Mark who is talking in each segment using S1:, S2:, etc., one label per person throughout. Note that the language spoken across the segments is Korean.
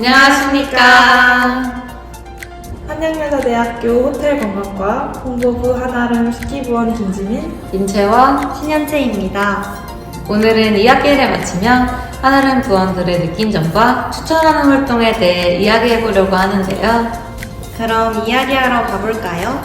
S1: 안녕하십니까.
S2: 한양여자대학교 호텔관광과 홍보부 한아름 식기부원 김지민,
S1: 임채원,
S3: 신현채입니다.
S1: 오늘은 2학기를 마치며 한아름 부원들의 느낀 점과 추천하는 활동에 대해 이야기해보려고 하는데요.
S3: 그럼 이야기하러 가볼까요?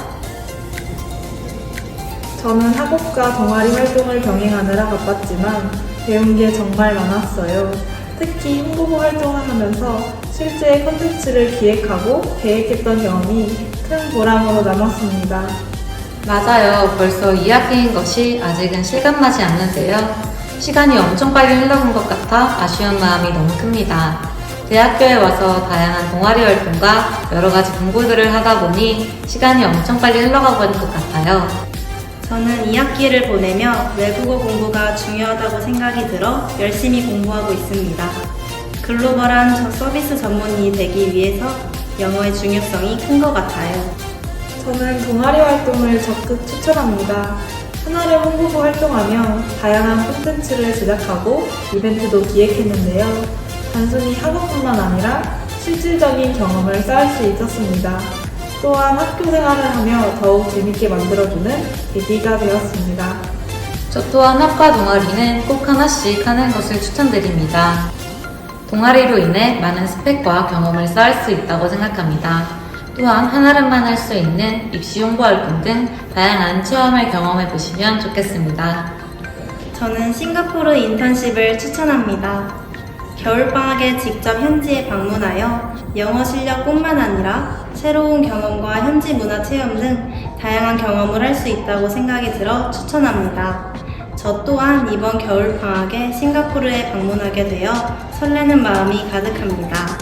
S2: 저는 학업과 동아리 활동을 병행하느라 바빴지만 배운 게 정말 많았어요. 특히 홍보부 활동을 하면서 실제 콘텐츠를 기획하고 계획했던 경험이 큰 보람으로 남았습니다.
S1: 맞아요. 벌써 2학기인 것이 아직은 실감나지 않는데요. 시간이 엄청 빨리 흘러간 것 같아 아쉬운 마음이 너무 큽니다. 대학교에 와서 다양한 동아리 활동과 여러 가지 공부들을 하다 보니 시간이 엄청 빨리 흘러가 버린 것 같아요.
S3: 저는 2학기를 보내며 외국어 공부가 중요하다고 생각이 들어 열심히 공부하고 있습니다. 글로벌한 서비스 전문인이 되기 위해서 영어의 중요성이 큰 것 같아요.
S2: 저는 동아리 활동을 적극 추천합니다. 한아름 홍보부 활동하며 다양한 콘텐츠를 제작하고 이벤트도 기획했는데요. 단순히 학업뿐만 아니라 실질적인 경험을 쌓을 수 있었습니다. 또한 학교 생활을 하며 더욱 재밌게 만들어주는 계기가 되었습니다.
S1: 저 또한 학과 동아리는 꼭 하나씩 하는 것을 추천드립니다. 동아리로 인해 많은 스펙과 경험을 쌓을 수 있다고 생각합니다. 또한 한아름만 할 수 있는 입시 홍보 활동 등 다양한 체험을 경험해 보시면 좋겠습니다.
S3: 저는 싱가포르 인턴십을 추천합니다. 겨울방학에 직접 현지에 방문하여 영어 실력뿐만 아니라 새로운 경험과 현지 문화 체험 등 다양한 경험을 할 수 있다고 생각이 들어 추천합니다. 저 또한 이번 겨울방학에 싱가포르에 방문하게 되어 설레는 마음이 가득합니다.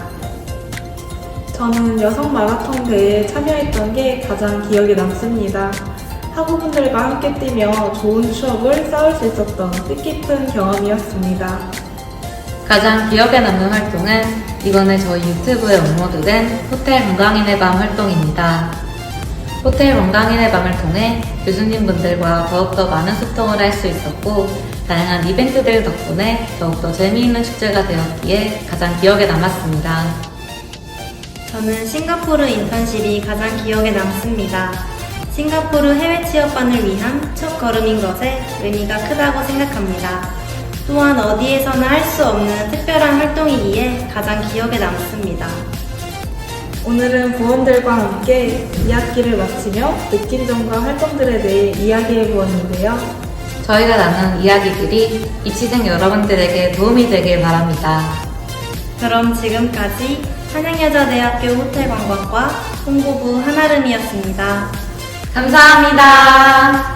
S2: 저는 여성 마라톤 대회에 참여했던 게 가장 기억에 남습니다. 학우분들과 함께 뛰며 좋은 추억을 쌓을 수 있었던 뜻깊은 경험이었습니다.
S1: 가장 기억에 남는 활동은 이번에 저희 유튜브에 업로드된 호텔 건강인의 밤 활동입니다. 호텔 건강인의 밤을 통해 교수님분들과 더욱더 많은 소통을 할 수 있었고 다양한 이벤트들 덕분에 더욱더 재미있는 축제가 되었기에 가장 기억에 남았습니다.
S3: 저는 싱가포르 인턴십이 가장 기억에 남습니다. 싱가포르 해외 취업반을 위한 첫 걸음인 것에 의미가 크다고 생각합니다. 또한 어디에서나 할 수 없는 특별한 활동이기에 가장 기억에 남습니다.
S2: 오늘은 부원들과 함께 2학기를 마치며 느낀 점과 활동들에 대해 이야기해 보았는데요.
S1: 저희가 나눈 이야기들이 입시생 여러분들에게 도움이 되길 바랍니다.
S3: 그럼 지금까지 한양여자대학교 호텔관광과 홍보부 한아름이었습니다.
S1: 감사합니다.